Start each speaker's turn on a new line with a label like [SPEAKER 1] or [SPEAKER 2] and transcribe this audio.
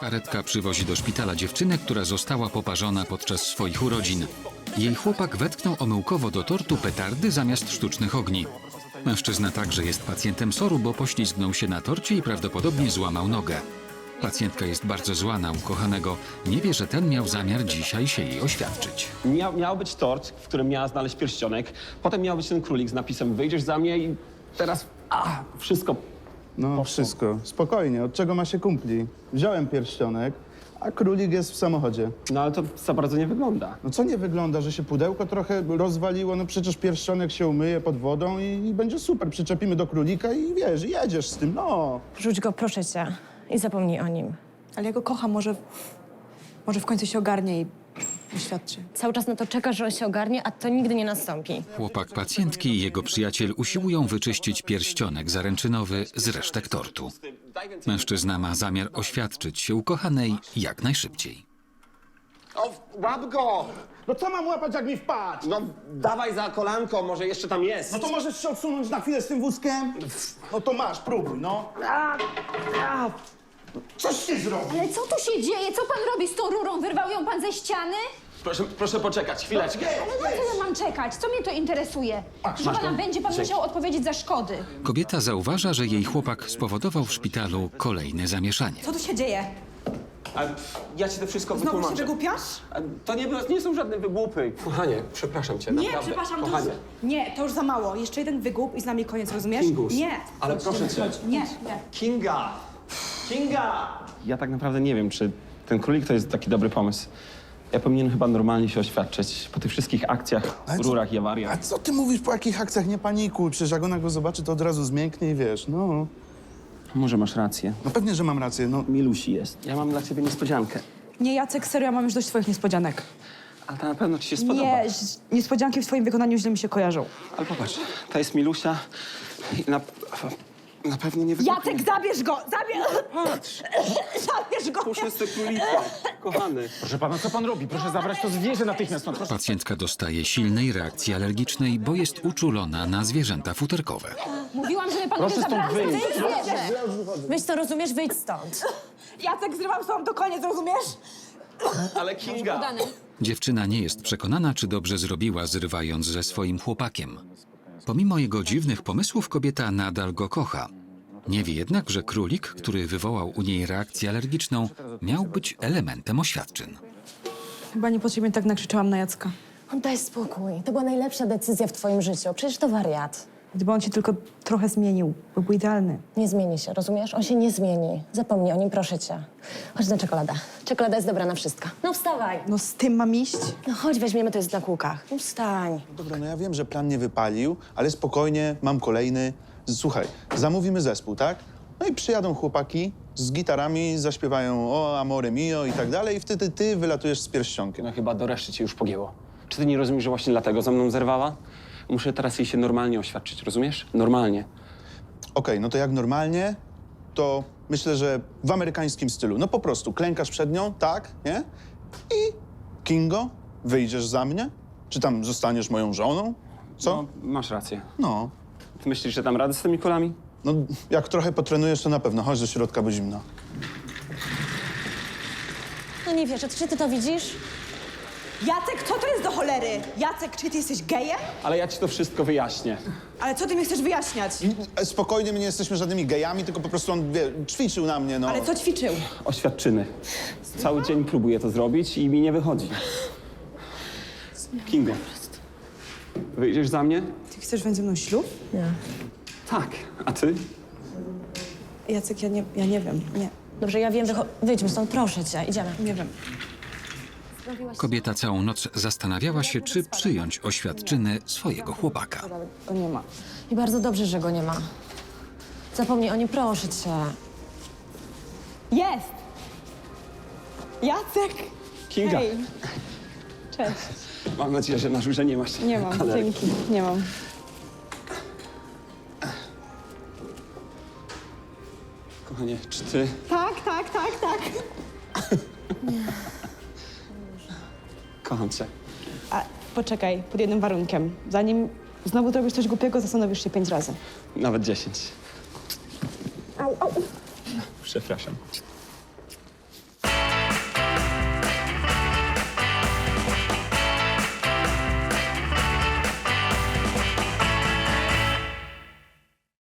[SPEAKER 1] Karetka przywozi do szpitala dziewczynę, która została poparzona podczas swoich urodzin. Jej chłopak wetknął omyłkowo do tortu petardy zamiast sztucznych ogni. Mężczyzna także jest pacjentem SOR-u, bo poślizgnął się na torcie i prawdopodobnie złamał nogę. Pacjentka jest bardzo zła na ukochanego. Nie wie, że ten miał zamiar dzisiaj się jej oświadczyć.
[SPEAKER 2] Miał być tort, w którym miała znaleźć pierścionek. Potem miał być ten królik z napisem wyjdziesz za mnie i teraz wszystko.
[SPEAKER 3] No wszystko. Spokojnie. Od czego ma się kumpli? Wziąłem pierścionek, a królik jest w samochodzie.
[SPEAKER 2] No ale to za bardzo nie wygląda.
[SPEAKER 3] No co nie wygląda, że się pudełko trochę rozwaliło? No przecież pierścionek się umyje pod wodą i będzie super. Przyczepimy do królika i wiesz, jedziesz z tym, no.
[SPEAKER 4] Rzuć go, proszę cię. I zapomnij o nim.
[SPEAKER 5] Ale ja go kocham, może w końcu się ogarnie i oświadczy.
[SPEAKER 4] Cały czas na to czekasz, że on się ogarnie, a to nigdy nie nastąpi.
[SPEAKER 1] Chłopak pacjentki i jego przyjaciel usiłują wyczyścić pierścionek zaręczynowy z resztek tortu. Mężczyzna ma zamiar oświadczyć się ukochanej jak najszybciej.
[SPEAKER 2] O, łap go!
[SPEAKER 3] No co mam łapać, jak mi wpadł?
[SPEAKER 2] No dawaj za kolanko, może jeszcze tam jest.
[SPEAKER 3] No to możesz się odsunąć na chwilę z tym wózkiem? No to masz, próbuj, no. Coś ty zrobił?
[SPEAKER 6] Ale co tu się dzieje? Co pan robi z tą rurą? Wyrwał ją pan ze ściany?
[SPEAKER 2] Proszę poczekać, chwileczkę.
[SPEAKER 6] Ale na co ja mam czekać? Co mnie to interesuje? Że pana będzie pan musiał odpowiedzieć za szkody.
[SPEAKER 1] Kobieta zauważa, że jej chłopak spowodował w szpitalu kolejne zamieszanie.
[SPEAKER 5] Co tu się dzieje?
[SPEAKER 2] Ja ci to wszystko
[SPEAKER 5] Znowu się
[SPEAKER 2] wytłumaczę.
[SPEAKER 5] wygłupiasz?
[SPEAKER 2] To nie są żadne wygłupy. Kochanie, przepraszam cię,
[SPEAKER 5] Nie,
[SPEAKER 2] naprawdę.
[SPEAKER 5] przepraszam, to
[SPEAKER 2] Kochanie.
[SPEAKER 5] już, nie, to już za mało. Jeszcze jeden wygłup i z nami koniec, rozumiesz?
[SPEAKER 2] Kingus.
[SPEAKER 5] Nie.
[SPEAKER 2] Ale proszę cię.
[SPEAKER 5] Nie.
[SPEAKER 2] Kinga! Ja tak naprawdę nie wiem, czy ten królik to jest taki dobry pomysł. Ja powinienem chyba normalnie się oświadczyć po tych wszystkich akcjach,
[SPEAKER 3] Ale co-
[SPEAKER 2] rurach i
[SPEAKER 3] A
[SPEAKER 2] awariach.
[SPEAKER 3] co ty mówisz po jakich akcjach? Nie panikuj, przecież jak ona go zobaczy, to od razu zmięknie i wiesz, no.
[SPEAKER 2] Może masz rację.
[SPEAKER 3] No pewnie, że mam rację, no.
[SPEAKER 2] Milusi jest. Ja mam dla ciebie niespodziankę.
[SPEAKER 5] Nie, Jacek, serio, ja mam już dość twoich niespodzianek.
[SPEAKER 2] Ale to na pewno ci się spodoba.
[SPEAKER 5] Nie, niespodzianki w twoim wykonaniu źle mi się kojarzą.
[SPEAKER 2] Ale popatrz, to jest Milusia i na pewno nie wybuchnie.
[SPEAKER 5] Jacek, zabierz go! Zabierz go!
[SPEAKER 2] Puszczę z tego królika, kochany.
[SPEAKER 7] Proszę pana, co pan robi? Proszę zabrać to zwierzę natychmiast. Proszę.
[SPEAKER 1] Pacjentka dostaje silnej reakcji alergicznej, bo jest uczulona na zwierzęta futerkowe.
[SPEAKER 6] Mówiłam, żeby pan
[SPEAKER 7] Proszę
[SPEAKER 6] nie
[SPEAKER 7] stąd
[SPEAKER 6] zabrał
[SPEAKER 7] wyjść.
[SPEAKER 6] tej zwierzę.
[SPEAKER 4] Wyjdź to, rozumiesz? Wyjdź stąd.
[SPEAKER 5] Jacek, zrywam z tobą do koniec, rozumiesz?
[SPEAKER 2] Ale Kinga!
[SPEAKER 1] Dziewczyna nie jest przekonana, czy dobrze zrobiła, zrywając ze swoim chłopakiem. Pomimo jego dziwnych pomysłów, kobieta nadal go kocha. Nie wie jednak, że królik, który wywołał u niej reakcję alergiczną, miał być elementem oświadczyn.
[SPEAKER 5] Chyba niepotrzebnie tak nakrzyczałam na Jacka.
[SPEAKER 4] Daj spokój. To była najlepsza decyzja w twoim życiu. Przecież to wariat.
[SPEAKER 5] Gdyby on się tylko trochę zmienił, byłby idealny.
[SPEAKER 4] Nie zmieni się, rozumiesz? On się nie zmieni. Zapomnij o nim, proszę cię. Chodź na czekoladę. Czekolada jest dobra na wszystko. No wstawaj.
[SPEAKER 5] No z tym mam iść?
[SPEAKER 4] No chodź, weźmiemy, to jest na kółkach. No wstań.
[SPEAKER 3] Dobra, no ja wiem, że plan nie wypalił, ale spokojnie, mam kolejny. Słuchaj, zamówimy zespół, tak? No i przyjadą chłopaki z gitarami, zaśpiewają o Amore Mio i tak dalej i wtedy ty wylatujesz z pierścionkiem.
[SPEAKER 2] No chyba do reszty ci już pogięło. Czy ty nie rozumiesz, że właśnie dlatego ze mną zerwała? Muszę teraz jej się normalnie oświadczyć, rozumiesz? Normalnie.
[SPEAKER 3] Okej, no to jak normalnie, to myślę, że w amerykańskim stylu. No po prostu klękasz przed nią, tak, nie? I Kingo, wyjdziesz za mnie? Czy tam zostaniesz moją żoną? Co?
[SPEAKER 2] No, masz rację.
[SPEAKER 3] No.
[SPEAKER 2] Ty myślisz, że dam radę z tymi kulami?
[SPEAKER 3] No, jak trochę potrenujesz, to na pewno. Chodź do środka, bo zimno.
[SPEAKER 4] No nie wierzę, czy ty to widzisz?
[SPEAKER 5] Jacek, co to jest do cholery? Jacek, czy ty jesteś gejem?
[SPEAKER 2] Ale ja ci to wszystko wyjaśnię.
[SPEAKER 5] Ale co ty mi chcesz wyjaśniać?
[SPEAKER 3] Spokojnie, my nie jesteśmy żadnymi gejami, tylko po prostu on, wie, ćwiczył na mnie, no.
[SPEAKER 5] Ale co ćwiczył?
[SPEAKER 2] Oświadczyny. Cały dzień próbuję to zrobić i mi nie wychodzi. Kingo, wyjdziesz za mnie?
[SPEAKER 5] Ty chcesz wziąć ze mną ślub?
[SPEAKER 4] Nie.
[SPEAKER 2] Tak. A ty?
[SPEAKER 5] Jacek, ja nie wiem, nie,
[SPEAKER 4] Dobrze, ja wiem, wyjdźmy stąd, proszę cię, idziemy.
[SPEAKER 5] nie wiem.
[SPEAKER 1] Kobieta całą noc zastanawiała się, czy przyjąć oświadczyny swojego chłopaka.
[SPEAKER 5] Go nie ma.
[SPEAKER 4] I bardzo dobrze, że go nie ma. Zapomnij o nim, proszę cię.
[SPEAKER 5] Jest! Jacek!
[SPEAKER 2] Kinga.
[SPEAKER 5] Hej. Cześć.
[SPEAKER 2] Mam nadzieję, że na żurze nie masz.
[SPEAKER 5] Nie mam,
[SPEAKER 2] alergii.
[SPEAKER 5] dzięki, nie mam.
[SPEAKER 2] Kochanie, czy ty...
[SPEAKER 5] Tak.
[SPEAKER 2] Kocham cię.
[SPEAKER 5] A poczekaj, pod jednym warunkiem. Zanim znowu zrobisz coś głupiego, zastanowisz się 5 razy.
[SPEAKER 2] Nawet 10. Przepraszam.